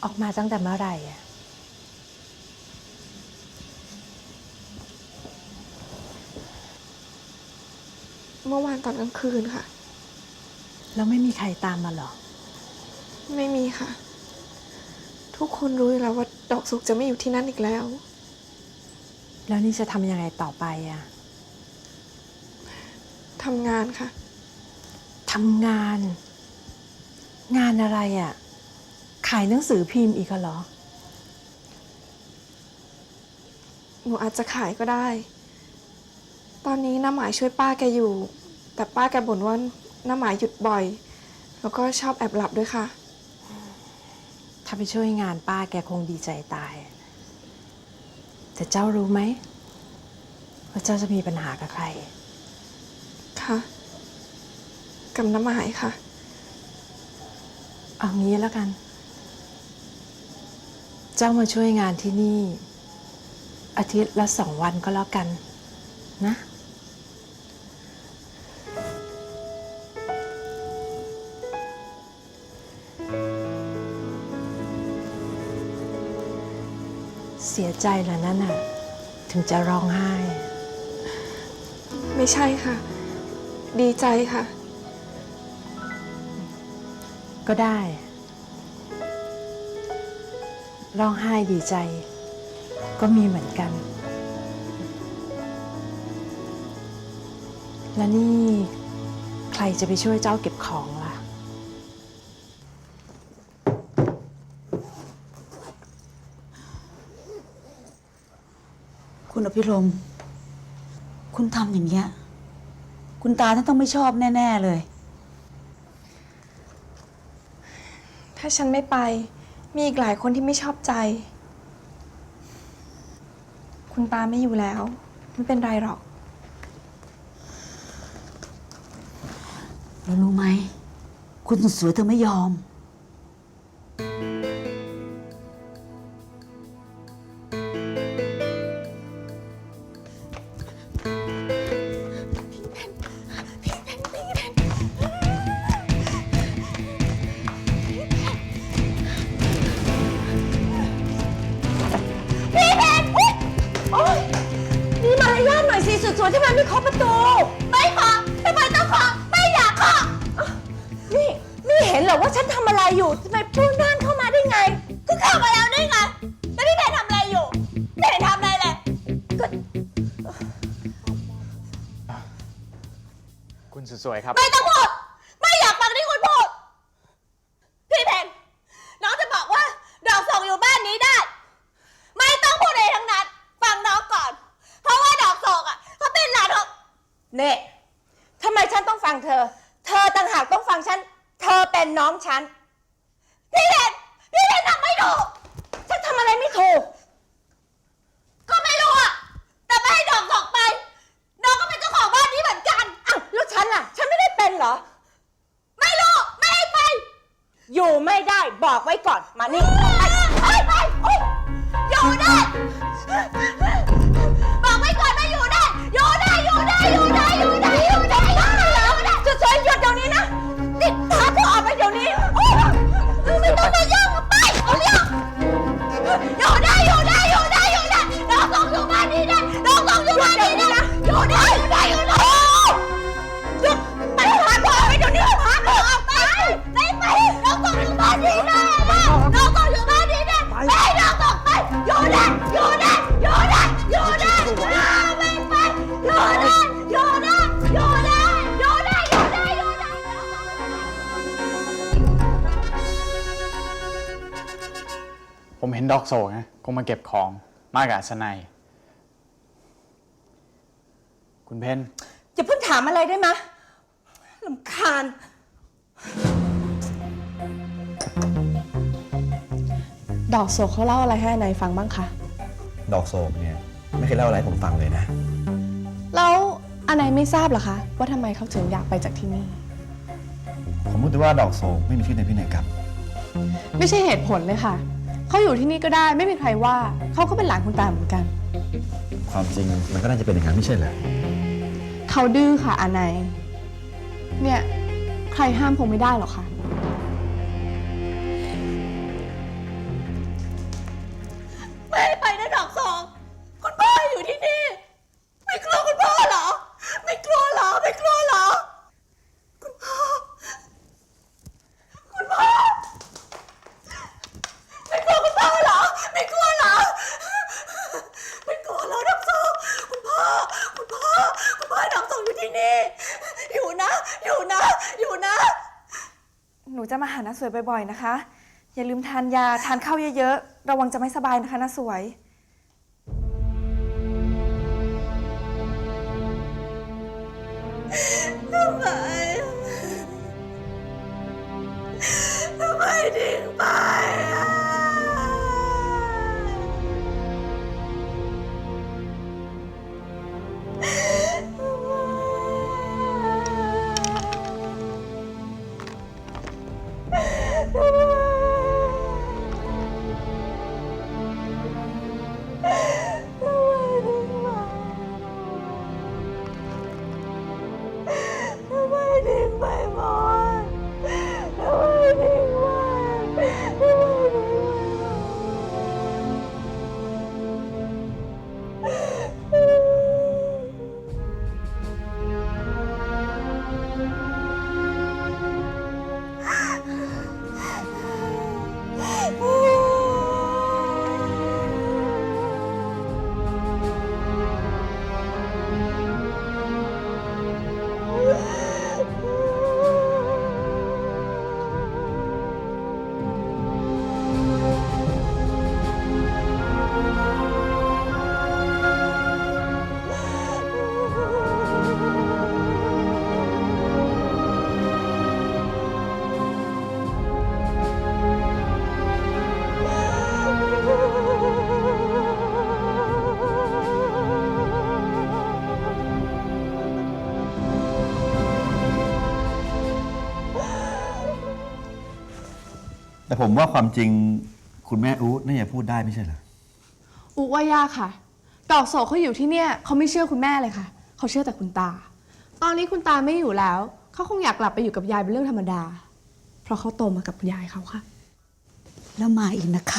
ออกมาตั้งแต่เมื่อไหร่อะเมื่อวานตอนกลางคืนค่ะแล้วไม่มีใครตามมาหรอไม่มีค่ะ ทุกคนรู้อยู่แล้วว่าดอกสุกจะไม่อยู่ที่นั่นอีกแล้วแล้วนี่จะทำยังไงต่อไปอะทำงานค่ะทำงาน งานอะไรอะขายหนังสือพิมพ์อีกเหรอหนูอาจจะขายก็ได้ ตอนนี้น้าหมายช่วยป้าแกอยู่ แต่ป้าแกบ่นว่าน้าหมายหยุดบ่อย แล้วก็ชอบแอบหลับด้วยค่ะถ้าไปช่วยงานป้าแกคงดีใจตาย แต่เจ้ารู้ไหมว่าเจ้าจะมีปัญหากับใครค่ะ กับน้าหมายค่ะเอางี้แล้วกัน เจ้ามาช่วยงานที่นี่ อาทิตย์ละ2 วันก็แล้วกันนะ เสียใจเหรอนั่นน่ะ ถึงจะร้องไห้ไม่ใช่ค่ะ ดีใจค่ะก็ได้ ร้องไห้ดีใจ ก็มีเหมือนกัน แล้วนี่ใครจะไปช่วยเจ้าเก็บของล่ะคุณอภิรมย์คุณทำอย่างเงี้ยคุณตาท่านต้องไม่ชอบแน่ๆเลยถ้าฉันไม่ไป มีอีกหลายคนที่ไม่ชอบใจ คุณตาไม่อยู่แล้ว ไม่เป็นไรหรอกแล้วรู้ไหม คุณสวยเธอไม่ยอมมีมารยาทหน่อยสิสวยๆที่มันไม่เคาะประตูไม่เคาะทำไมต้องเคาะไม่อยากเคาะนี่เห็นเหรอว่าฉันทำอะไรอยู่ทำไมพูดด้านเข้ามาได้ไงก็เข้ามาแล้วได้ไงแล้วพี่แพนทำอะไรอยู่ไม่เห็นทำอะไรเลยก็คุณสวยๆครับไม่ต้องพูดไม่อยากฟังที่คุณพูดพี่แพนน้องจะบอกว่าดอกส่งอยู่บ้านนี้ได้ ไม่ต้องพูดอะไรทั้งนั้นฟังน้องก่อน เพราะว่าดอกส่งอ่ะเขาเป็นหลานของเน่ทำไมฉันต้องฟังเธอ เธอต่างหากต้องฟังฉัน เธอเป็นน้องฉัน พี่เพนทำไม่ถูกฉันทำอะไรไม่ถูก ก็ไม่รู้อ่ะ แต่ไม่ให้ดอกส่งไป น้องก็เป็นเจ้าของบ้านนี้เหมือนกันอ้าวแล้วฉันล่ะ ฉันไม่ได้เป็นเหรอ ไม่รู้ ไม่ให้ไป อยู่ไม่ได้บอกไว้ก่อน มานี่ไปโอ๊ยอยู่ได้ บอกไว้ก่อนว่าอยู่ได้ อยู่ได้สวยๆหยุดเดี๋ยวนี้นะนี่พาเธอออกไปเดี๋ยวนี้โอ๊ยไม่ต้องมายุ่งไปเอาเรื่องอยู่ได้น้องส่งอยู่บ้านนี้ได้น้องส่งอยู่บ้านนี้ได้อยู่ได้หยุดไปพาเธอออกไปเดี๋ยวนี้พาเธอออกไปน้องส่งอยู่บ้านนี้ได้น้องส่งอยู่บ้านนี้ได้ไม่ให้น้องส่งไปอยู่ได้ไม่ไปอยู่ได้ผมเห็นดอกโศกนะคงมาเก็บของมากับอัศนัย คุณเพนอย่าเพิ่งถามอะไรได้ไหมรำคาญดอกโศกเขาเล่าอะไรให้นายฟังบ้างคะดอกโศกเนี่ยไม่เคยเล่าอะไรให้ผมฟังเลยนะแล้วอนายไม่ทราบเหรอคะ ว่าทำไมเขาถึงอยากไปจากที่นี่ผมรู้แต่ว่าดอกโศกไม่มีชื่อในพินัยกรรมไม่ใช่เหตุผลเลยค่ะ เขาอยู่ที่นี่ก็ได้ไม่มีใครว่า เขาก็เป็นหลานคุณตาเหมือนกันความจริงมันก็น่าจะเป็นอย่างนั้นไม่ใช่เหรอเขาดื้อค่ะอานายเนี่ยใครห้ามคงไม่ได้หรอกค่ะจะมาหาน้าสวยบ่อยๆนะคะ อย่าลืมทานยาทานข้าวเยอะๆระวังจะไม่สบายนะคะน้าสวยทำไมทิ้งไปอ่ะทำไมทิ้งไปหมดทำไมทิ้งไปทำไมแต่ผมว่าความจริงคุณแม่อู๊ดน่าจะพูดได้ไม่ใช่เหรออุว่ายากค่ะ ดอกโศกเขาอยู่ที่เนี่ยเขาไม่เชื่อคุณแม่เลยค่ะ เขาเชื่อแต่คุณตา ตอนนี้คุณตาไม่อยู่แล้ว เขาคงอยากกลับไปอยู่กับยายเป็นเรื่องธรรมดา เพราะเขาโตมากับยายเขาค่ะแล้วมาอีกนะคะ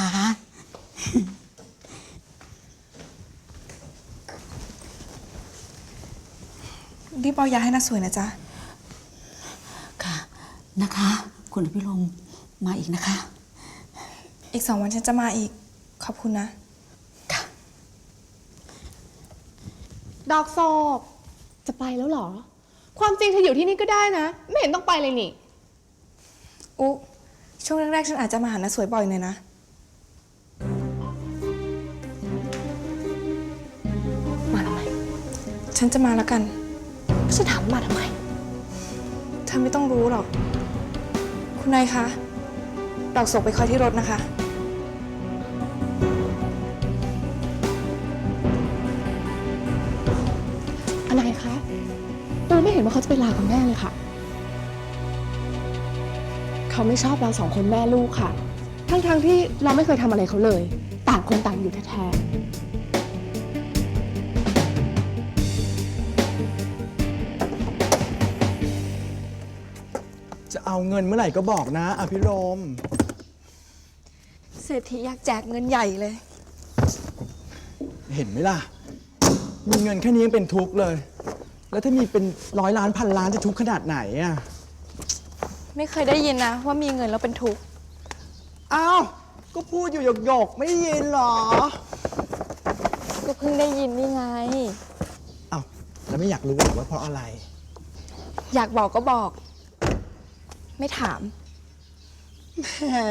รีบเอายาให้น้าสวยนะจ๊ะค่ะนะคะ คุณอภิรมย์มาอีกนะคะอีก2 วันฉันจะมาอีก ขอบคุณนะค่ะดอกโศกจะไปแล้วเหรอ ความจริงเธออยู่ที่นี่ก็ได้นะ ไม่เห็นต้องไปเลยนี่อุ๊ช่วงแรกๆฉันอาจจะมาหาน้าสวยบ่อยหน่อยนะมาทำไมฉันจะมาแล้วกันฉันถามมาทำไมเธอไม่ต้องรู้หรอก คุณนายคะ ดอกโศกไปคอยที่รถนะคะอะไรคะตูไม่เห็นว่าเขาจะไปลากับแม่เลยค่ะ เขาไม่ชอบเรา2 คนแม่ลูกค่ะ ทั้งที่เราไม่เคยทำอะไรเขาเลย ต่างคนต่างอยู่แท้ๆจะเอาเงินเมื่อไหร่ก็บอกนะอภิรมย์เศรษฐีอยากแจกเงินใหญ่เลยเห็นไหมล่ะ มีเงินแค่นี้ยังเป็นทุกข์เลย แล้วถ้ามีเป็น100 ล้าน1,000 ล้านจะทุกข์ขนาดไหนอ่ะไม่เคยได้ยินนะว่ามีเงินแล้วเป็นทุกข์อ้าว ก็พูดอยู่หยกๆไม่ได้ยินเหรอก็เพิ่งได้ยินนี่ไงอ้าว แล้วไม่อยากรู้หรือว่าเพราะอะไรอยากบอกก็บอก ไม่ถามแหม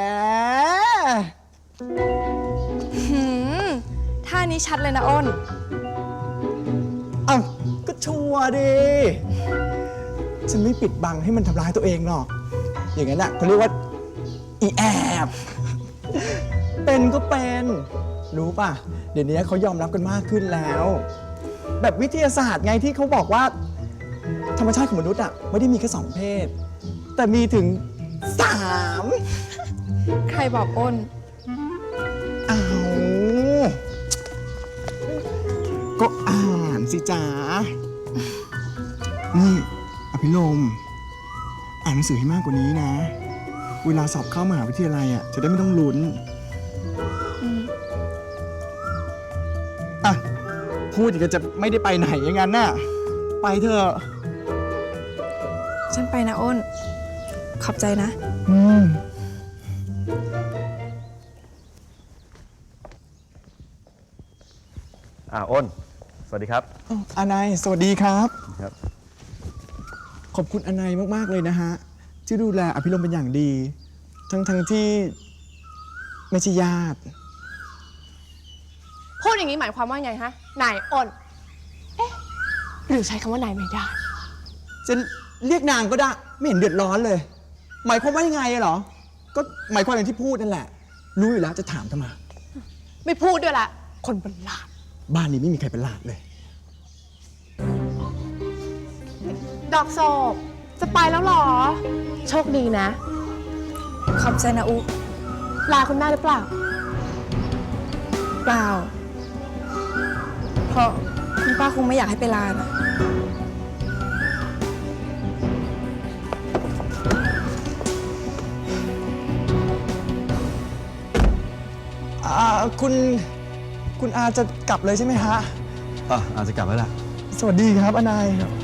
ท่านี้ชัดเลยนะอ้นอ้าว ก็ชัวร์ดิ ฉันไม่ปิดบังให้มันทำร้ายตัวเองหรอก อย่างนั้นอ่ะเขาเรียกว่า อีแอบ เป็นก็เป็น รู้ป่ะ เดี๋ยวนี้เขายอมรับกันมากขึ้นแล้ว แบบวิทยาศาสตร์ไงที่เขาบอกว่า ธรรมชาติของมนุษย์อ่ะไม่ได้มีแค่2 เพศ แต่มีถึง 3 ใครบอกอ้นอ้าว ก็อ่านสิจ๋า นี่ อภิรมย์อ่านหนังสือให้มากกว่านี้นะ เวลาสอบเข้ามหาวิทยาลัยอ่ะจะได้ไม่ต้องลุ้นอ่ะ พูดอีกก็จะไม่ได้ไปไหนอย่างนั้นน่ะ ไปเถอะฉันไปนะอ้น ขอบใจนะอ้น สวัสดีครับอานายสวัสดีครับครับขอบคุณอานายมาก ๆ เลยนะฮะที่ดูแลอภิรมย์เป็นอย่างดี ทั้งที่ไม่ใช่ญาติพูดอย่างนี้หมายความว่าไงฮะ นายอ้น เอ๊ะ หรือใช้คำว่านายไม่ได้จะเรียกนางก็ได้ ไม่เห็นเดือดร้อนเลย หมายความว่ายังไงเหรอ ก็หมายความอย่างที่พูดนั่นแหละ รู้อยู่แล้วจะถามทำไมไม่พูดด้วยละ คนประหลาดบ้านนี้ไม่มีใครเป็นหลาดเลยดอกโศกจะไปแล้วเหรอ โชคดีนะขอบใจนะอุลาคุณแม่หรือเปล่าเปล่า เพราะคุณป้าคงไม่อยากให้ไปลานะคุณอาจะกลับเลยใช่ไหมฮะอาจจะกลับแล้วล่ะสวัสดีครับอนายครับ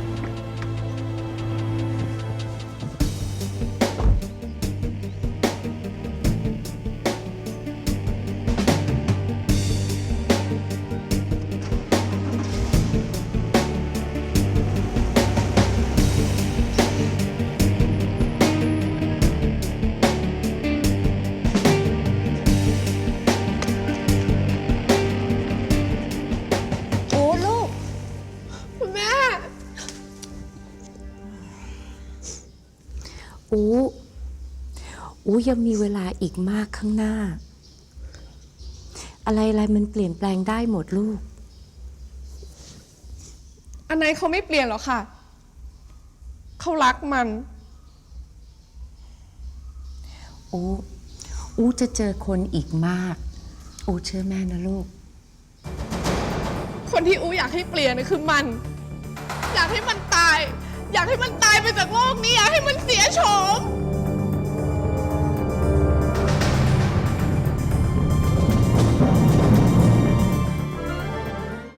โอ้ลูกคุณแม่อูยังมีเวลาอีกมากข้างหน้า อะไรมันเปลี่ยนแปลงได้หมดลูกอันไหนเขาไม่เปลี่ยนหรอกค่ะ เขารักมันอูจะเจอคนอีกมาก อูเชื่อแม่นะลูกคนที่อูอยากให้เปลี่ยนนะคือมัน อยากให้มันตาย อยากให้มันตายไปจากโลกนี้